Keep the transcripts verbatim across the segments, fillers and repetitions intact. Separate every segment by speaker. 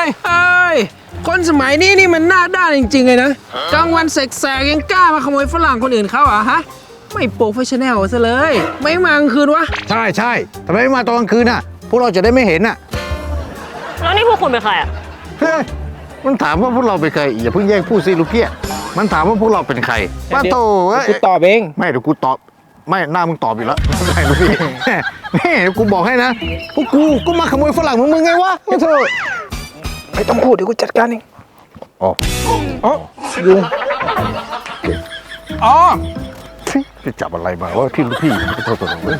Speaker 1: ยเฮ้ยคนสมัยนี้นี่มันหน้าด้านจริงๆเลยนะกลางวันแสกๆยังกล้ามาขโมยฝรั่งคนอื่นเขาอ่ะฮะไม่โปรเฟชชั่นแนลซะเลยไม่มากลางคืนวะ
Speaker 2: ใช่ใช่ทำไมไม่มาตอนกลางคืนน่ะพวกเราจะได้ไม่เห็นน่ะ
Speaker 3: แล้วนี่พวกคุณเป็นใครอ่ะ
Speaker 2: เฮ้ยมันถามว่าพวกเราเป็นใครอย่าเพิ่งแย่งพูดสิลูกเกี้ยมันถามว่าพวกเราเป็นใครป้าโต
Speaker 1: กูตอบเอง
Speaker 2: ไม่เดี๋ยวกูตอบไม่หน้ามึงตอบอยู่แล้วไม่ลูกพี่นี่กูบอกให้นะพวกกูก็มาขโมยฝรั่งมึงมึงไงวะไม่เถอะ
Speaker 1: ไม่ต้องพูดเดี๋ยวกูจัดการเอง
Speaker 2: อ๋อ
Speaker 1: อ๋อยุงอ๋อ
Speaker 2: จะจับอะไรมาว่าพี่ลูกพี่ไม่โทษตัวเอง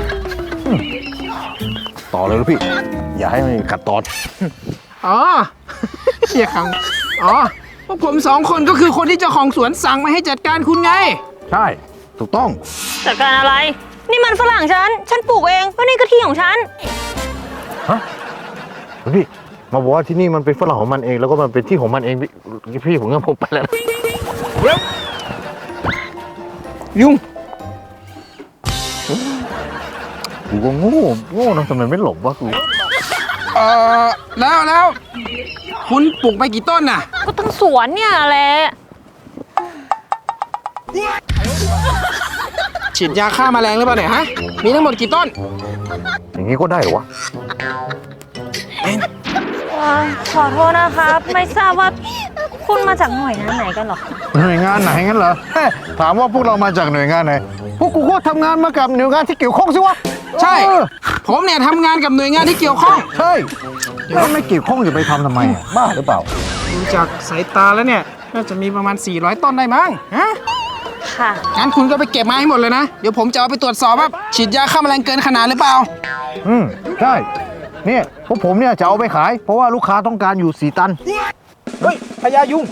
Speaker 2: ต่อเลยลูกพี่อย่าให้มันกัดตอน
Speaker 1: อ๋อเฮียขังอ๋อพวกผมสองคนก็คือคนที่เจ้าของสวนสั่งมาให้จัดการคุณไง
Speaker 2: ใช่ถูกต้อง
Speaker 3: จัดการอะไรนี่มันฝรั่งฉันฉันปลูกเองเพราะนี่ก็ที่ของฉัน
Speaker 2: ฮะพี่มาบอกว่าที่นี่มันเป็นฝรั่งของมันเองแล้วก็มันเป็นที่ของมันเองพี่พี่ผมก็ผมไปแล้ว
Speaker 1: ยุ่ง
Speaker 2: กูก็โง่โง่นะทำไมไม่หลบวะกู
Speaker 1: เออแล้วแล้วคุณปลูกไปกี่ต้นน่ะ
Speaker 3: ก็ทั้งสวนเนี่ยแหละ
Speaker 1: ฉีดยาฆ่าแมลงหรือเปล่าเนี่ยฮะมีทั้งหมดกี่ต้น
Speaker 2: อย่างนี้ก็ได้เหรอวะ
Speaker 3: ขอโทษนะครับไม่ทราบว่าคุณมาจากหน่วยงานไหนกันหรอ
Speaker 2: หน่วยงานไหนงั้นเหรอถามว่าพวกเรามาจากหน่วยงานไหนพวกกูก็ทำงานมากับหน่วยงานที่เกี่ยวข้องสิวะ
Speaker 1: ใช่ผมเนี่ยทำงานกับหน่วยงานที่เกี่ยวข้อง
Speaker 2: ใช่ถ้าไม่เกี่ยวข้องจะไปทำทำไมบ้าหรือเปล่า
Speaker 1: ดูจากสายตาแล้วเนี่ยน่าจะมีประมาณสี่ร้อยต้นได้มั้งฮะ
Speaker 3: ค่ะ
Speaker 1: งั้นคุณก็ไปเก็บมาให้หมดเลยนะเดี๋ยวผมจะเอาไปตรวจสอบว่าฉีดยาฆ่าแมลงเกินขนาดหรือเปล่า
Speaker 2: อืมใช่เนี่ยพวกผมเนี่ยจะเอาไปขายเพราะว่าลูกค้าต้องการอยู่สี่ตัน
Speaker 1: เฮ้ยพญายุง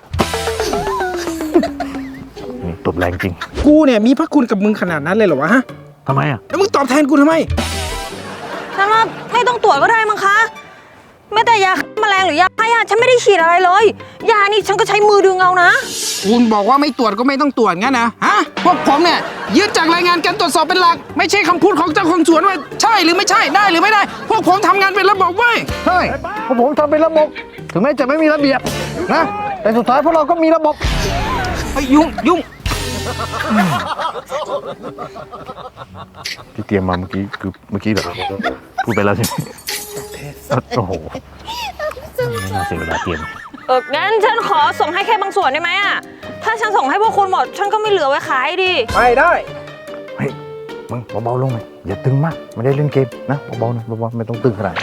Speaker 2: นี่ตบแรงจริง
Speaker 1: กูเนี่ยมีพระคุณกับมึงขนาดนั้นเลยเหรอวะฮะ
Speaker 2: ทำไมอ่ะ
Speaker 1: แล้วมึงตอบแทนกูทำไม
Speaker 3: ฉันว่าไม่ต้องตรวจก็ได้มั้งคะไม่แต่ยาแมลงหรือยาฆ่าหญ้าฉันไม่ได้ฉีดอะไรเลยยานี่ฉันก็ใช้มือดึงเอานะ
Speaker 1: คุณบอกว่าไม่ตรวจก็ไม่ต้องตรวจงั้นนะฮะพวกผมเนี่ยยึดจากรายงานการตรวจสอบเป็นหลักไม่ใช่คำพูดของเจ้าของสวนว่าใช่หรือไม่ใช่ได้หรือไม่ได้พวกผมทำงานเป็นระบบเว้ย
Speaker 2: ใช่พวกผมทำเป็นระบบถึงแม้จะไม่มีระเบียบนะแต่สุดท้ายพวกเราก็มีระบบ
Speaker 1: ไอ้ยุ่งยุ่ง
Speaker 2: ที่เตรียมมาเมื่อกี้คือเมื่อกี้แบบพูดไปแล้วใช่ไหมโอ้โหไม่น่าเสียเวลาเตรียม
Speaker 3: เอองั้นฉันขอส่งให้แค่บางส่วนได้ไหมอ่ะถ้าฉันส่งให้พวกคุณหมดฉันก็ไม่เหลือไว้ขายดิ
Speaker 1: ไม่ได้
Speaker 2: เฮ้ยมึงเบาๆลงหน่อยอย่าตึงมากไม่ได้เล่นเกมนะเบาๆนะเบาๆไม่ต้องตึงขนาด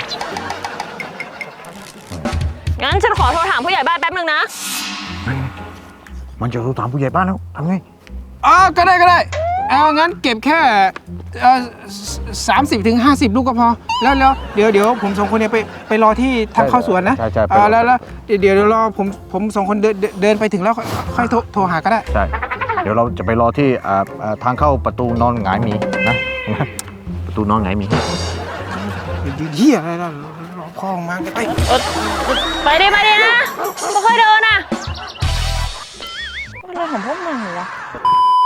Speaker 3: งั้นฉันขอโทรถามผู้ใหญ่บ้านแป๊บนึงนะ
Speaker 2: มันจะโทรถามผู้ใหญ่บ้านแล้วทำไง
Speaker 1: อ๋อก็ได้ก็ได้เอางั้นเก็บแค่สามสิบถึงห้าสิบลูกก็พอแล้วแล้วเดี๋ยวเดี๋ยวผมสองคนเนี่ยไปไปรอที่ทางเข้าสวนนะ
Speaker 2: ใช่ใช่
Speaker 1: แล้วแล้วเดี๋ยวเดี๋ยวรอผมผมสองคนเดินเดินไปถึงแล้วค่อยโทรโทรหาก็ได้
Speaker 2: ใช่เดี๋ยวเราจะไปรอที่ทางเข้าประตูนอนหงายมีนะประตูนอนหงายมี
Speaker 1: เฮียอะไรล่ะรอพ่อมาไป
Speaker 3: ไปดิไปดินะไม่ค่อยเดินอ่ะอะไรของพวกมึงวะ